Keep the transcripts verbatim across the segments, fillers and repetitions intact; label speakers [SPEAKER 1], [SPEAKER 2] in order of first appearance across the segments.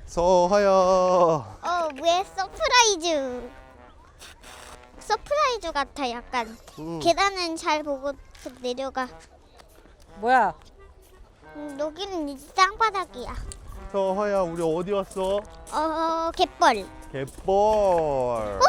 [SPEAKER 1] 서하야.
[SPEAKER 2] 어, 왜 서프라이즈? 서프라이즈 같아 약간.
[SPEAKER 1] 음.
[SPEAKER 2] 계단은 잘 보고 내려가.
[SPEAKER 3] 뭐야?
[SPEAKER 2] 음, 여기는 이제 땅바닥이야.
[SPEAKER 1] 서하야, 우리 어디 왔어?
[SPEAKER 2] 어, 갯벌.
[SPEAKER 1] 갯벌.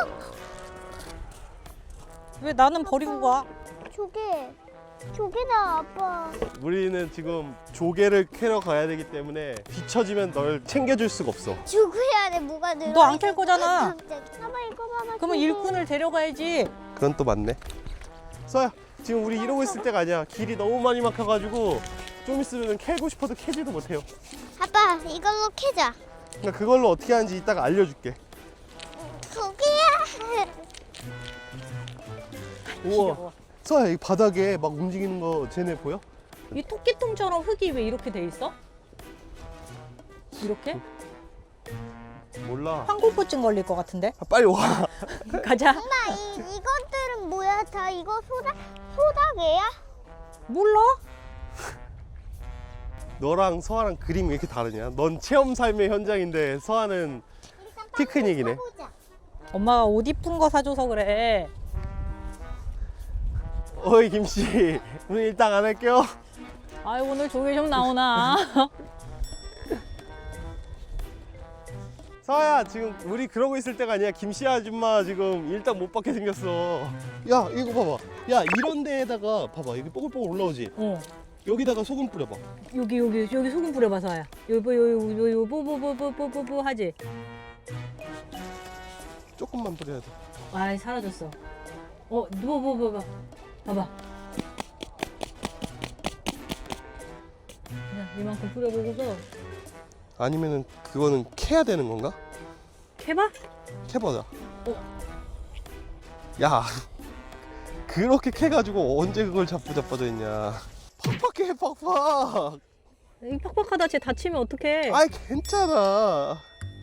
[SPEAKER 3] 왜 나는 버리고 가?
[SPEAKER 2] 조개. 조개다 아빠.
[SPEAKER 1] 우리는 지금 조개를 캐러 가야 되기 때문에 뒤처지면 널 챙겨줄 수가 없어.
[SPEAKER 2] 조개야 돼 뭐가 늘어?
[SPEAKER 3] 너 안 캘 거잖아.
[SPEAKER 2] 봐봐 이거 봐봐.
[SPEAKER 3] 그러면
[SPEAKER 2] 조개.
[SPEAKER 3] 일꾼을 데려가야지.
[SPEAKER 1] 그건 또 맞네. 서야, 지금 우리 이러고 있을 때가 아니야. 길이 너무 많이 막혀가지고 좀 있으면 캐고 싶어도 캐지도 못해요.
[SPEAKER 2] 아빠 이걸로 캐자.
[SPEAKER 1] 그러니까 그걸로 어떻게 하는지 이따가 알려줄게.
[SPEAKER 2] 조개야.
[SPEAKER 1] 우와. 서야, 이 바닥에 막 움직이는 거 쟤네 보여?
[SPEAKER 3] 이 토끼통처럼 흙이 왜 이렇게 돼 있어? 이렇게?
[SPEAKER 1] 몰라.
[SPEAKER 3] 황골포증 걸릴 것 같은데?
[SPEAKER 1] 아, 빨리 와.
[SPEAKER 3] 가자.
[SPEAKER 2] 엄마 이 이것들은 뭐야? 다 이거 소다 소다개야?
[SPEAKER 3] 몰라?
[SPEAKER 1] 너랑 서아랑 그림이 왜 이렇게 다르냐? 넌 체험 삶의 현장인데 서아는 피크닉이네.
[SPEAKER 3] 엄마가 옷 이쁜 거 사줘서 그래.
[SPEAKER 1] 어이 김씨, 오늘 일당 안 할게요.
[SPEAKER 3] 아이 오늘 조개 좀 나오나?
[SPEAKER 1] 서아야, 지금 우리 그러고 있을 때가 아니야. 김씨 아줌마 지금 일당 못 받게 생겼어. 야, 이거 봐봐. 야, 이런 데에다가 봐봐. 여기 뽀글뽀글 올라오지?
[SPEAKER 3] 어.
[SPEAKER 1] 여기다가 소금 뿌려봐.
[SPEAKER 3] 여기 여기 여기 소금 뿌려봐서야. 요거 요요 요요 뽀뽀뽀뽀뽀뽀뽀 하지.
[SPEAKER 1] 조금만 뿌려야 돼.
[SPEAKER 3] 아이 사라졌어. 어 누워 뭐 봐봐. 봐봐. 그냥 이만큼 뿌려보고서
[SPEAKER 1] 아니면은 그거는 캐야 되는 건가?
[SPEAKER 3] 캐봐.
[SPEAKER 1] 캐보자. 야, 그렇게 캐가지고 언제 그걸 잡고 자빠져 있냐. 팍팍해, 팍팍.
[SPEAKER 3] 이 팍팍하다 쟤 다치면 어떡해.
[SPEAKER 1] 아이, 괜찮아.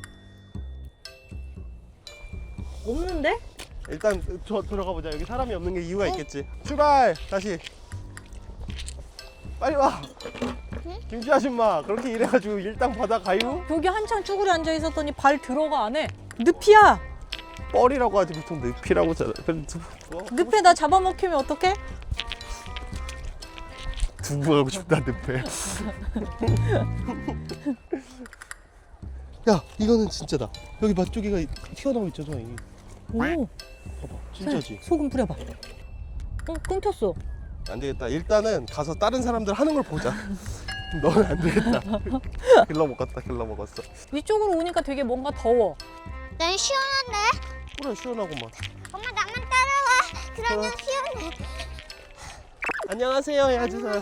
[SPEAKER 3] 없는데?
[SPEAKER 1] 일단 저 들어가 보자. 여기 사람이 없는 게 이유가 있겠지. 출발. 다시. 빨리 와. 김치 아줌마, 그렇게 일해가지고 일당 받아 가요?
[SPEAKER 3] 여기 한참 쭈그려 앉아 있었더니 발 들어가 안 해. 늪이야.
[SPEAKER 1] 뻘이라고 하지 보통 늪이라고 하잖아. 그래도 뭐,
[SPEAKER 3] 늪에 나 잡아먹히면 어떡해?
[SPEAKER 1] 두부하고 싶다 늪에. 야, 이거는 진짜다. 여기 맛조개가 튀어나오고 있잖아. 이.
[SPEAKER 3] 오.
[SPEAKER 1] 봐봐, 진짜지.
[SPEAKER 3] 소금 뿌려봐. 어 끊겼어.
[SPEAKER 1] 안 되겠다. 일단은 가서 다른 사람들 하는 걸 보자. 너는 안 되겠다. 길러 먹었다. 길러 먹었어.
[SPEAKER 3] 이쪽으로 오니까 되게 뭔가 더워.
[SPEAKER 2] 난 시원한데?
[SPEAKER 1] 그래, 시원하구만.
[SPEAKER 2] 엄마 나만 따라와. 그러면
[SPEAKER 1] 어.
[SPEAKER 2] 시원해.
[SPEAKER 1] 안녕하세요, 해주세요.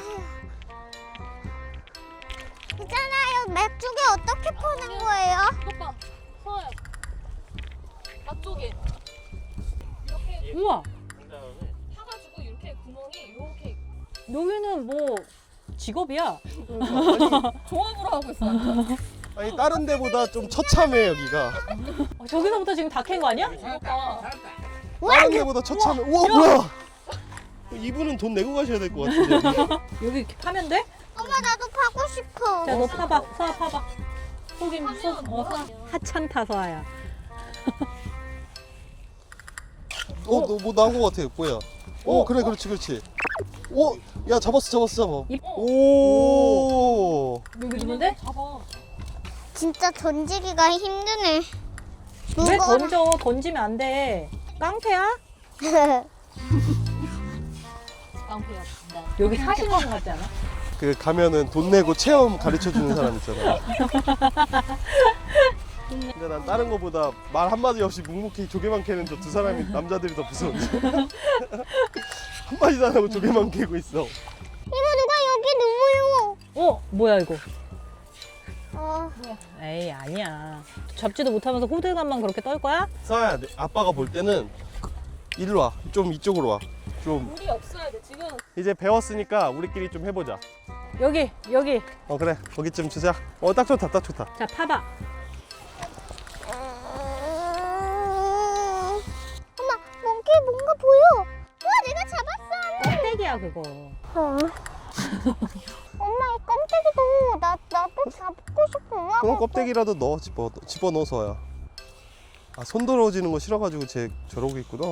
[SPEAKER 2] 있잖아요. 맥주게 어떻게 퍼는 거예요?
[SPEAKER 3] 오빠, 서아야. 앞쪽에. 이렇게 우와. 파가지고 이렇게 구멍이 이렇게. 여기는 뭐 직업이야. 조합으로 하고 있어.
[SPEAKER 1] 아니, 다른 데보다 좀 처참해 여기가.
[SPEAKER 3] 어, 저기서부터 지금 다 캔 거 아니야?
[SPEAKER 1] 다른 데보다 처참해. 우와, 뭐야? 이분은 돈 내고 가셔야 될 것 같은데.
[SPEAKER 3] 여기 이렇게 파면 돼?
[SPEAKER 2] 엄마 나도 파고 싶어.
[SPEAKER 3] 자, 너 파봐. 서아 파봐. 속임 속. 어, 서아. 하찮다 서아야.
[SPEAKER 1] 어, 너 뭐 나온 것 같아. 뭐야? 오, 그래, 그렇지, 그렇지. 오, 야, 잡았어, 잡았어, 잡아.
[SPEAKER 3] 입.
[SPEAKER 1] 오.
[SPEAKER 3] 여기 있는데? 잡아.
[SPEAKER 2] 진짜 던지기가 힘드네.
[SPEAKER 3] 왜
[SPEAKER 2] 무거워.
[SPEAKER 3] 던져? 던지면 안 돼. 깡패야? 깡패야. 여기 사시는 것 같지 않아?
[SPEAKER 1] 그 가면은 돈 내고 체험 가르쳐 주는 사람 있잖아. 근데 난 다른 거보다 말 한마디 없이 묵묵히 조개만 캐는 저 두 사람이 남자들이 더 무서운데. 한마디도 안 하고 조개만 캐고 있어.
[SPEAKER 2] 이거 누가 여기 누워요?
[SPEAKER 3] 어? 뭐야 이거?
[SPEAKER 2] 어.
[SPEAKER 3] 에이 아니야. 잡지도 못하면서 호들갑만 그렇게 떨 거야?
[SPEAKER 1] 서아야, 내- 아빠가 볼 때는 일로 와. 좀 이쪽으로 와. 좀
[SPEAKER 3] 물이 없어야 돼 지금.
[SPEAKER 1] 이제 배웠으니까 우리끼리 좀 해보자.
[SPEAKER 3] 여기 여기.
[SPEAKER 1] 어, 그래, 거기쯤 주자. 어, 딱 좋다, 딱 좋다.
[SPEAKER 3] 자 파봐.
[SPEAKER 2] 음... 엄마, 몽키 뭔가 보여. 우와, 내가 잡았어.
[SPEAKER 3] 껍데기야 그거.
[SPEAKER 2] 어. 엄마, 이 껍데기도 나 나도 잡고 싶어. 고마워.
[SPEAKER 1] 그럼 껍데기라도 넣어 집어 집어 넣어서야. 아, 손 더러워지는 거 싫어가지고 쟤 저러고 있구나.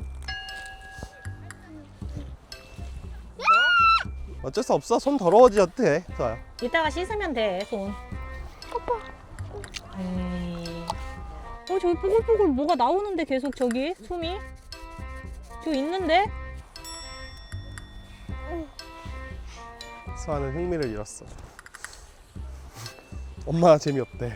[SPEAKER 1] 어쩔 수 없어. 손 더러워지어도 돼. 서아야.
[SPEAKER 3] 이따가 씻으면 돼, 손.
[SPEAKER 2] 아빠.
[SPEAKER 3] 에이. 어, 저기 뽀글뽀글 뭐가 나오는데 계속 저기 숨이? 저 있는데?
[SPEAKER 1] 서아는 흥미를 잃었어. 엄마 재미없대.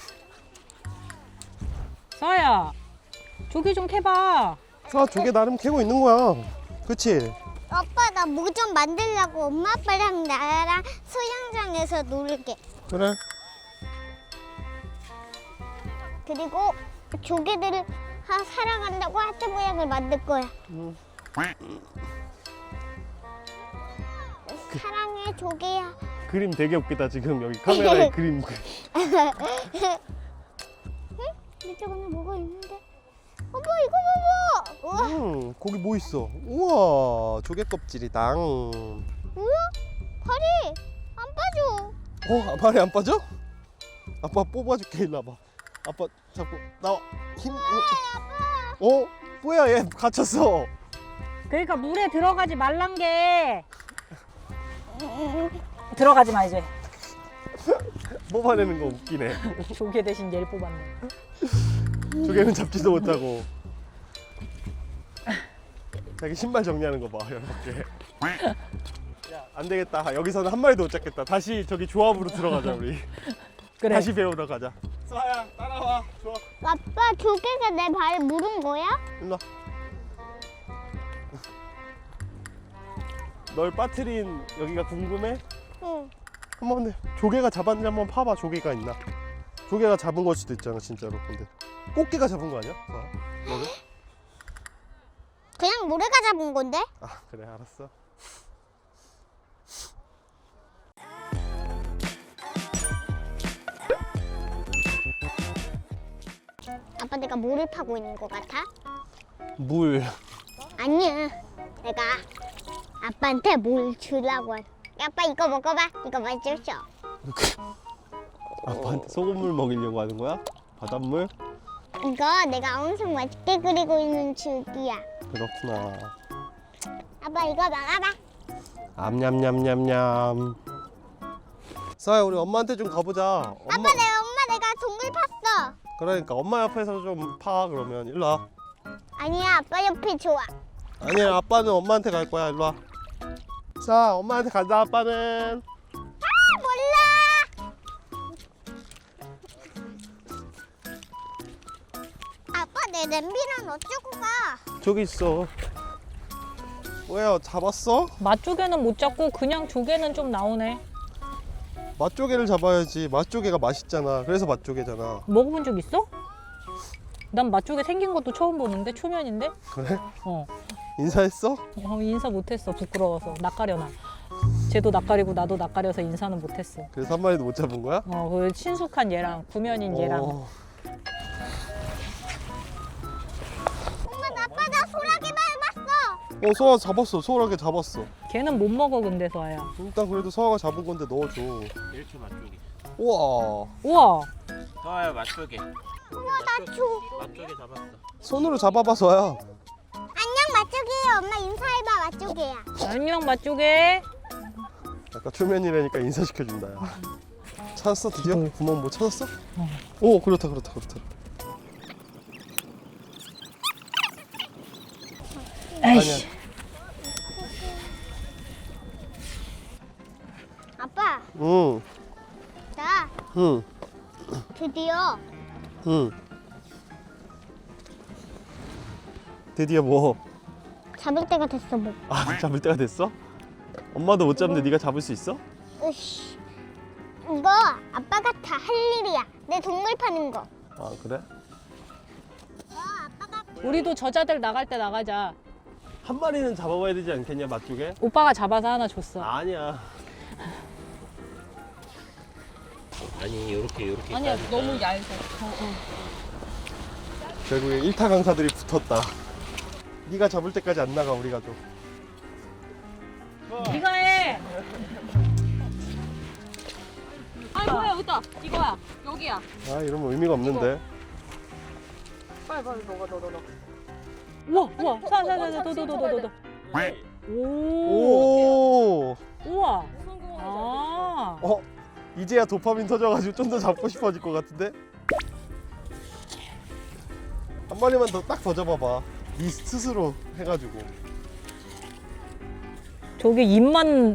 [SPEAKER 3] 서아야, 조개 좀 캐봐.
[SPEAKER 1] 서아 조개 나름 캐고 있는 거야. 그치?
[SPEAKER 2] 아빠 나 뭐 좀 만들려고 엄마 아빠랑 나랑 수영장에서 놀게.
[SPEAKER 1] 그래.
[SPEAKER 2] 그리고 조개들을 하, 사랑한다고 하트 모양을 만들 거야.
[SPEAKER 1] 응.
[SPEAKER 2] 사랑해 조개야.
[SPEAKER 1] 그림 되게 웃기다 지금 여기 카메라에 그림.
[SPEAKER 2] 이쪽에는 뭐가 있는데? 어머 이거 봐봐. 우와.
[SPEAKER 1] 음, 거기 뭐 있어? 우와, 조개 껍질이당.
[SPEAKER 2] 뭐야? 발이 안 빠져.
[SPEAKER 1] 어, 발이 안 빠져? 아빠 뽑아줄게. 일로 와봐. 아빠 자꾸 나와. 힘. 어, 어? 뭐야 얘 갇혔어.
[SPEAKER 3] 그러니까 물에 들어가지 말란 게. 들어가지 마 이제.
[SPEAKER 1] 뽑아내는 거 웃기네.
[SPEAKER 3] 조개 대신 얘를 뽑았네.
[SPEAKER 1] 조개는 잡지도 못하고. 자기 신발 정리하는 거 봐. 열받게. 야, 안 되겠다. 여기서는 한 마리도 못 잡겠다. 다시 저기 조합으로 들어가자 우리.
[SPEAKER 3] 그래.
[SPEAKER 1] 다시 배우러 가자. 서아야 따라와. 좋아.
[SPEAKER 2] 아빠 조개가 내 발에 물은 거야?
[SPEAKER 1] 일로 와. 널 빠뜨린 여기가 궁금해?
[SPEAKER 2] 응.
[SPEAKER 1] 한번 근데 조개가 잡았는지 한번 파봐. 조개가 있나? 조개가 잡은 걸 수도 있잖아 진짜로. 근데 꽃게가 잡은 거 아니야? 서아야? 너는?
[SPEAKER 2] 그냥 모래가 잡은 건데?
[SPEAKER 1] 아 그래 알았어.
[SPEAKER 2] 아빠 내가 물을 파고 있는 것 같아?
[SPEAKER 1] 물.
[SPEAKER 2] 아니야. 내가 아빠한테 물 주려고. 한- 아빠 이거 먹어봐. 이거 맛있어.
[SPEAKER 1] 아빠한테 소금물 먹이려고 하는 거야? 바닷물?
[SPEAKER 2] 이거 내가 엄청 맛있게 그리고 있는 줄기야.
[SPEAKER 1] 그렇구나.
[SPEAKER 2] 아빠 이거 먹어봐.
[SPEAKER 1] 암냠냠냠냠. 서아야 우리 엄마한테 좀 가보자. 엄마.
[SPEAKER 2] 아빠 내 엄마 내가 동물 팠어.
[SPEAKER 1] 그러니까 엄마 옆에서 좀 파. 그러면 일로 와.
[SPEAKER 2] 아니야 아빠 옆이 좋아.
[SPEAKER 1] 아니야 아빠는 엄마한테 갈 거야. 일로 와. 자 엄마한테 간다. 아빠는.
[SPEAKER 2] 아 몰라. 아빠 내 냄비는 어쩌고 가?
[SPEAKER 1] 저기 있어. 뭐야 잡았어?
[SPEAKER 3] 맛조개는 못 잡고 그냥 조개는 좀 나오네.
[SPEAKER 1] 맛조개를 잡아야지. 맛조개가 맛있잖아. 그래서 맛조개잖아.
[SPEAKER 3] 먹어본 적 있어? 난 맛조개 생긴 것도 처음 보는데 초면인데?
[SPEAKER 1] 그래?
[SPEAKER 3] 어,
[SPEAKER 1] 인사했어?
[SPEAKER 3] 어 인사 못했어 부끄러워서 낯가려나. 쟤도 낯가리고 나도 낯가려서 인사는 못했어.
[SPEAKER 1] 그래서 한 마리도 못 잡은 거야?
[SPEAKER 3] 어, 그 친숙한 얘랑 구면인 얘랑.
[SPEAKER 1] 어.
[SPEAKER 2] 엄마 나 아빠 나 소라기 밟았어.
[SPEAKER 1] 어 서아 잡았어. 소라게 잡았어.
[SPEAKER 3] 걔는 못 먹어 근데 서아야.
[SPEAKER 1] 일단 그래도 서아가 잡은 건데 넣어줘.
[SPEAKER 4] 일 초 맛조개.
[SPEAKER 1] 우와.
[SPEAKER 3] 우와.
[SPEAKER 4] 서아야 맛조개.
[SPEAKER 2] 우와 나 줘.
[SPEAKER 4] 맛조개 잡았어.
[SPEAKER 1] 손으로 잡아봐 서아야.
[SPEAKER 2] 안녕 맛조개야. 엄마 인사해봐 맛조개야.
[SPEAKER 3] 안녕 맛조개.
[SPEAKER 1] 아까 초면이라니까 인사시켜준다 야. 찾았어 드디어? 구멍 뭐 찾았어? 오 그렇다 그렇다 그렇다.
[SPEAKER 3] 에이씨.
[SPEAKER 2] 아빠
[SPEAKER 1] 응.
[SPEAKER 2] 나
[SPEAKER 1] 응.
[SPEAKER 2] 드디어
[SPEAKER 1] 응. 드디어 뭐?
[SPEAKER 2] 잡을 때가 됐어 뭐.
[SPEAKER 1] 아 잡을 때가 됐어? 엄마도 못 잡는데 네가 잡을 수 있어?
[SPEAKER 2] 으씨. 이거 아빠가 다 할 일이야. 내 동물 파는 거.
[SPEAKER 1] 아 그래?
[SPEAKER 2] 어, 아빠가
[SPEAKER 3] 우리도 저자들 나갈 때 나가자.
[SPEAKER 1] 한 마리는 잡아봐야 되지 않겠냐 맛조개?
[SPEAKER 3] 오빠가 잡아서 하나 줬어.
[SPEAKER 1] 아니야.
[SPEAKER 4] 아니 요렇게 요렇게.
[SPEAKER 3] 아니야
[SPEAKER 4] 까니까.
[SPEAKER 3] 너무 얇아.
[SPEAKER 1] 결국에 일타 강사들이 붙었다. 네가 잡을 때까지 안 나가 우리가 좀.
[SPEAKER 3] 네가 해. 아 뭐야 여기다 이거야 여기야.
[SPEAKER 1] 아 이러면 의미가 없는데.
[SPEAKER 3] 빨리 빨리 넣어 넣어 넣어. 우와 우와 사사사사도도도도도. 오.
[SPEAKER 1] 오.
[SPEAKER 3] 우와. 아.
[SPEAKER 1] 어? 이제야 도파민 터져가지고 좀 더 잡고 싶어질 것 같은데? 한 마리만 더 딱 더 잡아봐. 이 스스로 해가지고.
[SPEAKER 3] 저게 입만.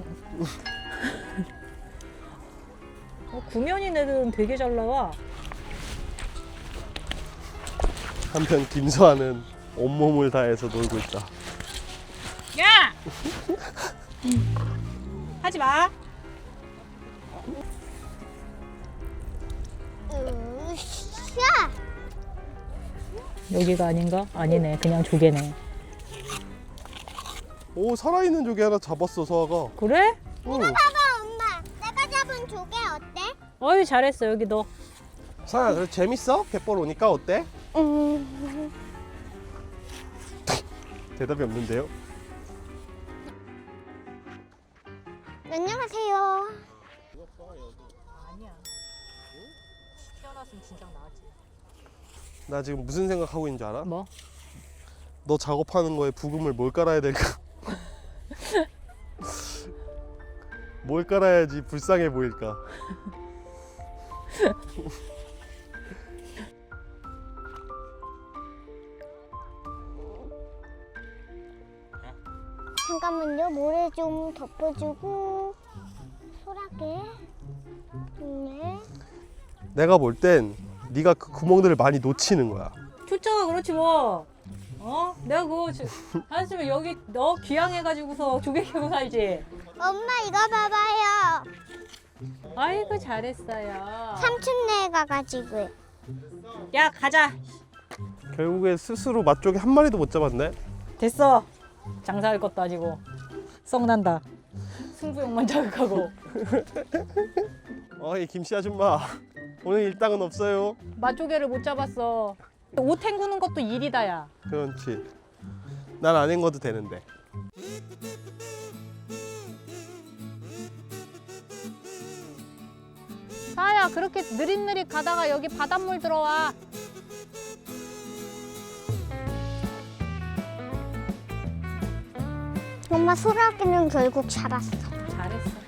[SPEAKER 3] 어, 구면인 애들은 되게 잘 나와.
[SPEAKER 1] 한편 김수아는 온몸을 다해서 놀고 있다.
[SPEAKER 3] 야! 하지 마.
[SPEAKER 2] 으쌰.
[SPEAKER 3] 여기가 아닌가? 아니네. 그냥 조개네.
[SPEAKER 1] 오 살아있는 조개 하나 잡았어 서아가.
[SPEAKER 3] 그래?
[SPEAKER 1] 응.
[SPEAKER 2] 봐봐 엄마. 내가 잡은 조개 어때?
[SPEAKER 3] 어이 잘했어. 여기 너.
[SPEAKER 1] 서아야 그래 재밌어? 갯벌 오니까 어때?
[SPEAKER 2] 음.
[SPEAKER 1] 대답이 없는데요?
[SPEAKER 2] 안녕하세요.
[SPEAKER 3] 아니야. 태어났으면 진작 나왔지.
[SPEAKER 1] 나 지금 무슨 생각하고 있는 줄 알아?
[SPEAKER 3] 뭐?
[SPEAKER 1] 너 작업하는 거에 부금을 뭘 깔아야 될까? 뭘 깔아야지 불쌍해 보일까?
[SPEAKER 2] 잠깐만요. 모래 좀 덮어주고 소라게. 네.
[SPEAKER 1] 내가 볼 땐 네가 그 구멍들을 많이 놓치는 거야.
[SPEAKER 3] 초짜가 그렇지 뭐. 어? 내가 그거 지- 한숨에 여기 너 귀향해가지고서 조개 키우고 살지.
[SPEAKER 2] 엄마 이거 봐봐요.
[SPEAKER 3] 아이고 잘했어요.
[SPEAKER 2] 삼촌네 가가지고.
[SPEAKER 3] 야 가자.
[SPEAKER 1] 결국에 스스로 맛조개 한 마리도 못 잡았네.
[SPEAKER 3] 됐어. 장사할 것도 아니고 썩난다. 승부욕만 자극하고.
[SPEAKER 1] 어이 김씨 아줌마 오늘 일당은 없어요.
[SPEAKER 3] 맛조개를 못 잡았어. 옷 헹구는 것도 일이다 야.
[SPEAKER 1] 그렇지. 난 안 헹궈도 되는데.
[SPEAKER 3] 사야 그렇게 느릿느릿 가다가 여기 바닷물 들어와.
[SPEAKER 2] 엄마 소라기는 결국 잡았어.
[SPEAKER 3] 잘했어.